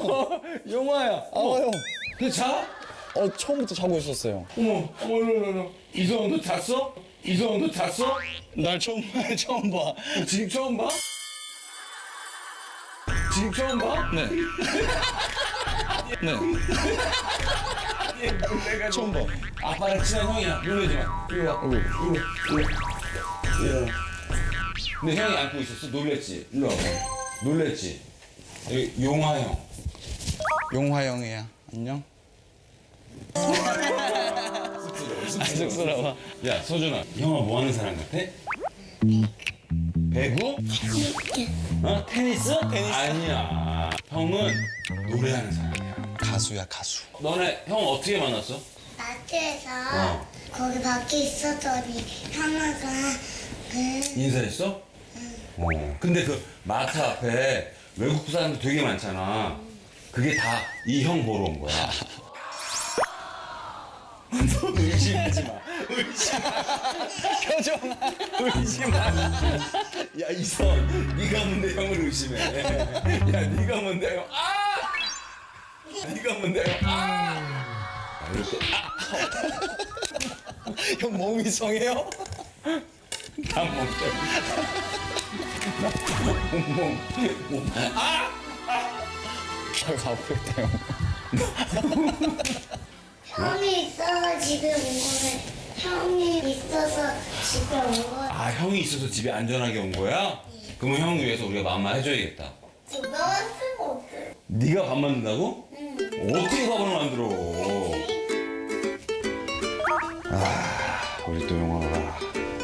용화야. 형. 너 자? 처음부터 자고 있었어요. 어머. 이성훈 너 잤어? 이성훈 너 잤어? 날 처음 봐. 지금 처음 봐? 지금 처음 봐? 네. 네. 내가 처음 봐. 아빠랑 친한 형이야. 놀라지 마. 이리 와. 이리 와. 근데 형이 안고 있었어? 놀랬지? 일로 와봐. 놀랬지? 여기 용화 형. 용화 형이야. 안녕. 쑥스러워. 야, 서준아. 형아 뭐 하는 사람 같아? 배구? 테니스? 아니야. 형은 노래하는 사람이야. 가수야, 가수. 너네 형 어떻게 만났어? 마트에서 거기 밖에 있었더니 형아가 인사했어? 근데 그 마트 앞에 외국 사람들 되게 많잖아. 그게 다 이 형 보러 온 거야. 너 의심하지 마. 의심하. 야, 이성, 네가 뭔데 형을 의심해. 야, 네가 뭔데 형. 네가 뭔데 형. 이렇게 형 몸이 이상해요? 다 먹자. 몸. 아이고, 아프겠다, 형. 형이 있어서 집에 온 거네. 형이 있어서 집에 온 거야. 아, 형이 있어서 집에 안전하게 온 거야? 그러면 형 위해서 우리가 맘마 해줘야겠다. 유명한 수가 없어. 네가 밥 만든다고? 어떻게 밥을 만들어? 우리 또 용화가.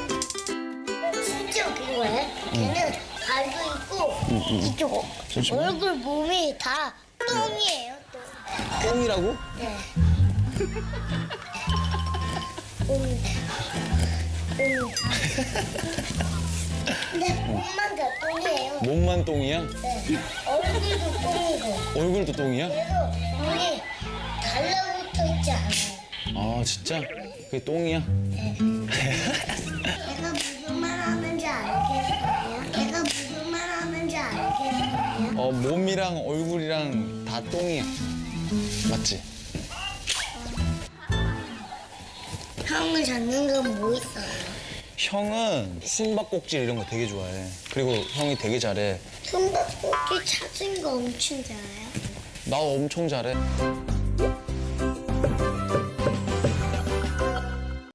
진짜 웃긴 거야. 걔는 발도 있고 이쪽 얼굴 몸이 다 똥이에요. 똥. 똥이라고? 네. 근데 몸만 다 똥이에요. 몸만 똥이야? 네. 얼굴도 똥이고. 얼굴도 똥이야? 그래서 눈이 달라붙어 있지 않아요. 아, 진짜? 그게 똥이야? 내가 무슨 말 하는지 알겠어요? 내가 무슨 말 하는지 알겠어요? 몸이랑 얼굴이랑 다 똥이야. 맞지? 형을 잡는 건 뭐 있어요? 형은 숨바꼭질 이런 거 되게 좋아해. 그리고 형이 되게 잘해. 숨바꼭질 찾은 거 엄청 잘해요. 나 엄청 잘해.